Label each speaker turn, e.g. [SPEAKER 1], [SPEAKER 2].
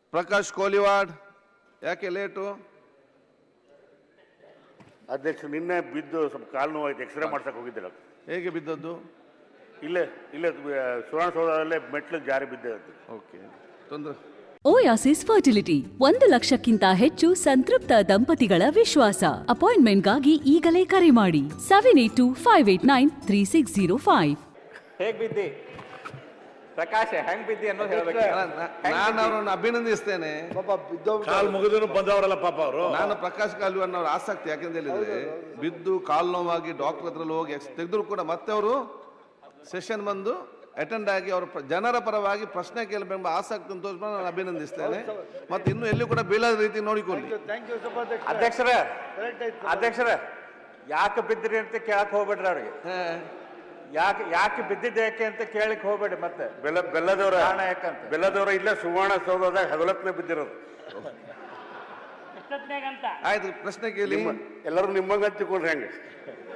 [SPEAKER 1] ಪ್ರಕಾಶ್ ಕೋಲಿವಾಡ್, ಯಾಕೆ ಲೇಟು?
[SPEAKER 2] ಅಧ್ಯಕ್ಷ, ನಿನ್ನೆ ಬಿದ್ದು ಸ್ವಲ್ಪ ಕಾಲು ನೋವಾಯ್ತು, ಎಕ್ಸ್ರೇ ಮಾಡ್ಸಕ್ಕೆ ಹೋಗಿದ್ದಿಲ್ಲ.
[SPEAKER 1] ಹೇಗೆ ಬಿದ್ದದ್ದು?
[SPEAKER 2] ಇಲ್ಲೇ ಸುವರ್ಣಸೌಧದಲ್ಲೇ ಮೆಟ್ಲು ಜಾರಿ ಬಿದ್ದೆ.
[SPEAKER 1] ಓಕೆ, ತೊಂದರೆ.
[SPEAKER 3] ಓಯಾಸಿಸ್ ಫರ್ಟಿಲಿಟಿ 1 ಲಕ್ಷಕ್ಕಿಂತ ಹೆಚ್ಚು ಸಂತೃಪ್ತ ದಂಪತಿಗಳ ವಿಶ್ವಾಸ. ಅಪಾಯಿಂಟ್ಮೆಂಟ್ಗಾಗಿ ಈಗಲೇ ಕರೆ ಮಾಡಿ 7825893605.
[SPEAKER 4] ಹೇಗ್ ಬಿದ್ದಿ ಪ್ರಕಾಶ್? ಹೆಂಗ್ ಬಿದ್ದಿ ಅನ್ನೋದು ಹೇಳ್ಬೇಕು.
[SPEAKER 1] ನಾನು ಅವರನ್ನು ಅಭಿನಂದಿಸ್ತೇನೆ.
[SPEAKER 2] ಕಾಲು ಮುಗಿದ್ರು ಬಂದವರಲ್ಲ ಪಾಪ ಅವರು.
[SPEAKER 1] ನಾನು ಪ್ರಕಾಶ್ ಕಾಲಿವಾಡ್ ಅವರ ಆಸಕ್ತಿ ಯಾಕೆಂತ ಹೇಳಿದ್ರೆ, ಬಿದ್ದು ಕಾಲು ನೋವಾಗಿ ಡಾಕ್ಟರ್ ಹತ್ರ ಹೋಗಿ ತೆಗೆದ್ರು ಕೂಡ ಮತ್ತೆ ಅವರು ಸೆಷನ್ ಬಂದು ಅಟೆಂಡ್ ಆಗಿ ಅವರು ಜನರ ಪರವಾಗಿ ಪ್ರಶ್ನೆ ಕೇಳಬೇಕೆಂಬ ಆಸಕ್ತಿ ತೋರಿಸ್ಕೊಂಡು ನಾನು ಅಭಿನಂದಿಸ್ತೇನೆ. ಮತ್ತೆ ಇನ್ನು ಎಲ್ಲಿ ಕೂಡ ಬೀಳದ ರೀತಿ ನೋಡಿಕೊಳ್ಳಿ.
[SPEAKER 4] ಅಧ್ಯಕ್ಷರ ಯಾಕೆ ಬಿದ್ದಿರಿ ಅಂತ ಕೇಳಕ್ ಹೋಗ್ಬೇಡ್ರಿ ಅವ್ರಿಗೆ. ಯಾಕೆ ಬಿದ್ದಿದ್ದೆ ಯಾಕೆ ಅಂತ ಕೇಳಕ್ ಹೋಗ್ಬೇಡಿ. ಮತ್ತೆ
[SPEAKER 2] ಬೆಲ್ಲದವರ ಇಲ್ಲ ಸುವರ್ಣಸೌಧದಾಗ ಹಗಲತ್ನೇ ಬಿದ್ದಿರೋದು.
[SPEAKER 1] ಆಯ್ತು, ಪ್ರಶ್ನೆ ಕೇಳಿ.
[SPEAKER 2] ಎಲ್ಲರೂ ನಿಮ್ಮಂಗ ಹಂಚಿಕೊಂಡ್ರೆ ಹೆಂಗೆ?